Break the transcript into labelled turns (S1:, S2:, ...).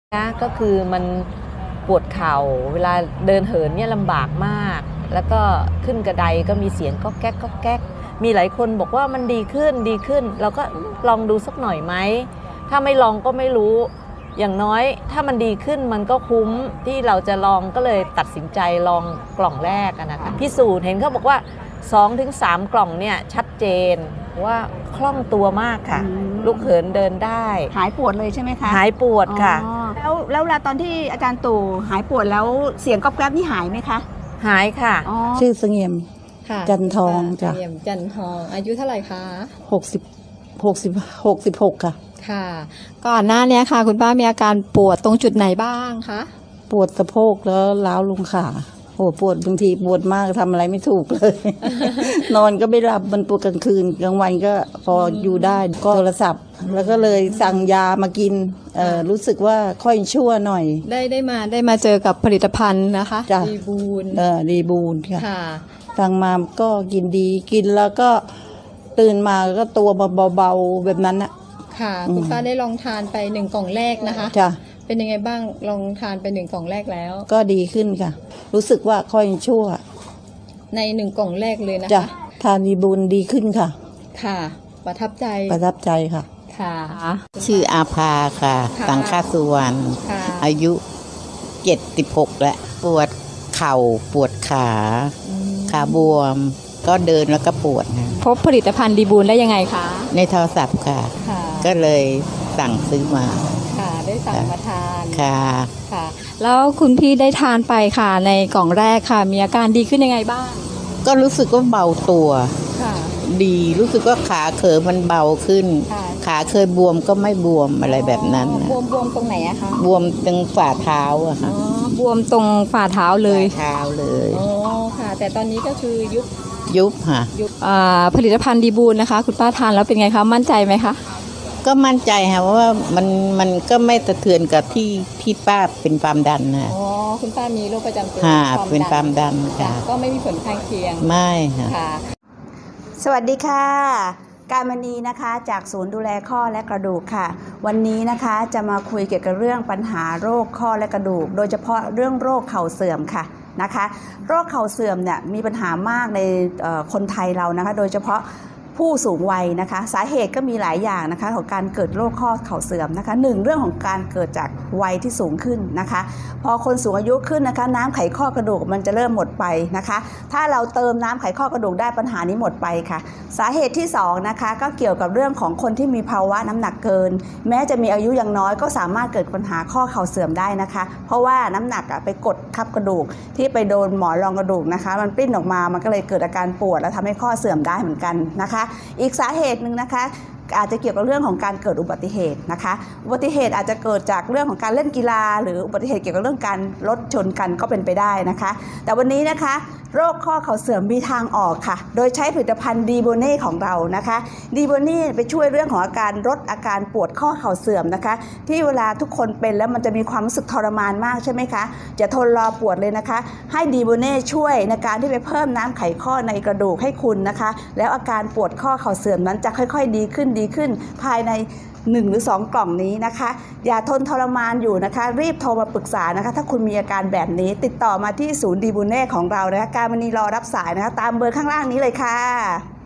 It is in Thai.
S1: นะก็คือมันปวดเข่าเวลาเดินเหินเนี่ยลำบากมากแล้วก็ขึ้นกระไดก็มีเสียงก๊อกแก๊กก๊อกแก๊กมีหลายคนบอกว่ามันดีขึ้นดีขึ้นเราก็ลองดูสักหน่อยไหมถ้าไม่ลองก็ไม่รู้อย่างน้อยถ้ามันดีขึ้นมันก็คุ้มที่เราจะลองก็เลยตัดสินใจลองกล่องแรกนะคะพิสูจน์เห็นเขาบอกว่า 2-3 กล่องเนี่ยชัดเจนว่าคล่องตัวมากค่ะลุกเหินเดินได้
S2: หายปวดเลยใช่ไหมคะ
S1: หายปวดค่ะ
S2: แล้วเวลาตอนที่อาจารย์ตู่หายปวดแล้วเสียงก๊อบแก๊บนี่หายไหมคะ
S1: หายค่ะ
S3: ชื่อเสงี่ยมจันทองจ้ะ
S4: เสงี่ยมจันทองอายุเท่าไหร่คะ
S3: 66ค่ะ
S4: ค่ะก่อนหน้านี้ค่ะคุณป้ามีอาการปวดตรงจุดไหนบ้างคะ
S3: ปวดสะโพกแล้วล้าวลงขาโอ้ปวดบางทีปวดมากทำอะไรไม่ถูกเลย นอนก็ไม่หลับมันปวดกลางคืนกลางวันก็พออยู่ได้ก็โทรศัพท์แล้วก็เลยสั่งยามากินรู้สึกว่าค่อยชั่วหน่อย
S4: ได้มาเจอกับผลิตภัณฑ์นะคะดีบูน
S3: ดีบูนค่ะ
S4: ค่ะ
S3: สั่งมาก็กินดีกินแล้วก็ตื่นมาก็ตัวเบาๆแบบนั้นนะ
S4: ค่ะคุณป้าได้ลองทานไป1 กล่องแรกนะคะ
S3: จ้ะ
S4: เป็นยังไงบ้างลองทานไป1 กล่องแรกแล้ว
S3: ก็ดีขึ้นค่ะรู้สึกว่าค่อยชั่ว
S4: ใน1 กล่องแรกเลยนะ
S3: จ้ะ
S4: คะ
S3: ทานดีบูนดีขึ้นค่ะ
S4: ค่ะประทับใจ
S3: ค่ะ
S4: ค่ะ
S5: ชื่ออาภาค่ะสังฆสุวรรณอายุ76แล้วปวดเข่าปวดขาบวมก็เดินแล้วก็ปวดนะ
S4: พบผลิตภัณฑ์ดีบูนได้ยังไงคะ
S5: ในโทรศัพท์ค่ะก็เลยสั่งซื้อมา
S4: ค่ะได้สั่งมาทาน
S5: ค่ะ
S4: แล้วคุณพี่ได้ทานไปค่ะในกล่องแรกค่ะมีอาการดีขึ้นยังไงบ้าง
S5: ก็รู้สึกว่าเบาตัวดีรู้สึกว่าขาเขยมันเบาขึ้นขาเคยบวมก็ไม่บวมอะไรแบบนั้น
S4: บวมตรงไหนอะคะ
S5: บวมตรงฝ่าเท้าอะค่ะ
S4: บวมตรงฝ่าเท้าเลย
S5: อ๋อ
S4: ค่ะแต่ตอนนี้ก็คือ
S5: ยุบค่ะ
S4: ผลิตภัณฑ์ดีบูนนะคะคุณป้าทานแล้วเป็นไงคะมั่นใจไหมคะ
S5: ก็มั่นใจค่ะว่ามันก็ไม่สะเทือนกับที่ป้าเป็นความดันนะ
S4: อ๋อคุณป้ามีโรคประจำตัว
S5: เป็นความดันค่ะ
S4: ก็ไม่มีผลข้างเคียง
S5: ไม่ค่ะ
S2: สวัสดีค่ะการมณีนะคะจากศูนย์ดูแลข้อและกระดูกค่ะวันนี้นะคะจะมาคุยเกี่ยวกับเรื่องปัญหาโรคข้อและกระดูกโดยเฉพาะเรื่องโรคเข่าเสื่อมค่ะนะคะโรคเข่าเสื่อมเนี่ยมีปัญหามากในคนไทยเรานะคะโดยเฉพาะผู้สูงวัยนะคะสาเหตุก็มีหลายอย่างนะคะของการเกิดโรคข้อเข่าเสื่อมนะคะ1เรื่องของการเกิดจากวัยที่สูงขึ้นนะคะพอคนสูงอายุขึ้นนะคะน้ำไขข้อกระดูกมันจะเริ่มหมดไปนะคะถ้าเราเติมน้ำไขข้อกระดูกได้ปัญหานี้หมดไปค่ะสาเหตุที่2นะคะก็เกี่ยวกับเรื่องของคนที่มีภาวะน้ำหนักเกินแม้จะมีอายุยังน้อยก็สามารถเกิดปัญหาข้อเข่าเสื่อมได้นะคะเพราะว่าน้ำหนักไปกดทับกระดูกที่ไปโดนหมอนรองกระดูกนะคะมันปริ้นออกมามันก็เลยเกิดอาการปวดและทำให้ข้อเสื่อมได้เหมือนกันนะคะอีกสาเหตุหนึ่งนะคะอาจจะเกี่ยวกับเรื่องของการเกิดอุบัติเหตุนะคะอุบัติเหตุอาจจะเกิดจากเรื่องของการเล่นกีฬาหรืออุบัติเหตุเกี่ยวกับเรื่องการรถชนกันก็เป็นไปได้นะคะแต่วันนี้นะคะโรคข้อเข่าเสื่อมมีทางออกค่ะโดยใช้ผลิตภัณฑ์ดีโบเน่ของเรานะคะดีโบเน่ไปช่วยเรื่องของอาการลดอาการปวดข้อเข่าเสื่อมนะคะที่เวลาทุกคนเป็นแล้วมันจะมีความรู้สึกทรมานมากใช่ไหมคะจะทนรอปวดเลยนะคะให้ดีโบเน่ช่วยในการที่ไปเพิ่มน้ำไขข้อในกระดูกให้คุณนะคะแล้วอาการปวดข้อเข่าเสื่อมนั้นจะค่อยๆดีขึ้นภายใน1 หรือ 2 กล่องนี้นะคะอย่าทนทรมานอยู่นะคะรีบโทรมาปรึกษานะคะถ้าคุณมีอาการแบบนี้ติดต่อมาที่ศูนย์ดีบูเน่ของเรานะคะการมณีรอรับสายนะคะตามเบอร์ข้างล่างนี้เลยค่ะ